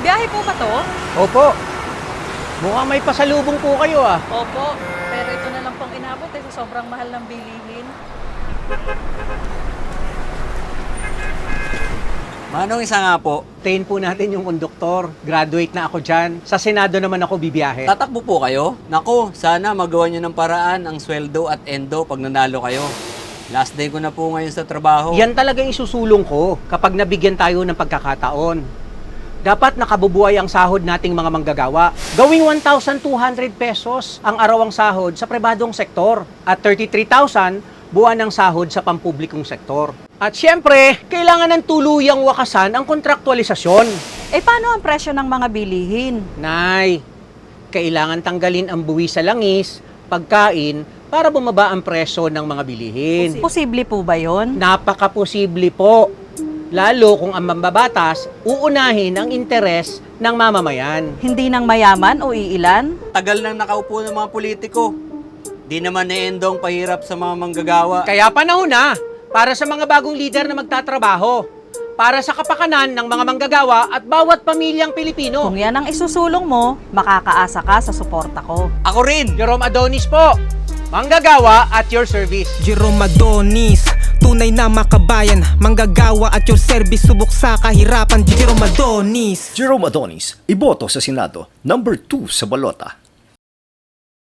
Biyahe po ba to? Opo. Mukhang may pasalubong po kayo ah. Opo. Pero ito na lang pong inabot sa sobrang mahal ng bilihin. Manong isa nga po, Tayin po natin yung konduktor. Graduate na ako dyan. Sa Senado naman ako bibiyahe. tatakbo po kayo? Nako, sana magawa nyo ng paraan ang sweldo at endo pag nanalo kayo. Last day ko na po ngayon sa trabaho. Yan talaga yung isusulong ko kapag nabigyan tayo ng pagkakataon. Dapat nakabubuhay ang sahod nating mga manggagawa. Gawing 1,200 pesos ang arawang sahod sa pribadong sektor at 33,000 buwan ng sahod sa pampublikong sektor. At syempre, kailangan ng tuluyang wakasan ang kontraktualisasyon. Eh paano ang presyo ng mga bilihin? Nay, kailangan tanggalin ang buwi sa langis, pagkain, para bumaba ang presyo ng mga bilihin. Posible po ba yon? Napakaposible po. Lalo kung ang mambabatas, uunahin ang interes ng mamamayan. Hindi ng mayaman o iilan? Tagal nang nakaupo ng mga politiko. Di naman na endong pahirap sa mga manggagawa. Kaya panahon na para sa mga bagong lider na magtatrabaho. Para sa kapakanan ng mga manggagawa at bawat pamilyang Pilipino. Kung yan ang isusulong mo, makakaasa ka sa suporta ko. Ako rin! Jerome Adonis po, manggagawa at your service. Jerome Adonis, tunay na makabayan, manggagawa at your service, subok sa kahirapan. Jerome Adonis. Jerome Adonis, iboto sa Senado, number 2 sa balota.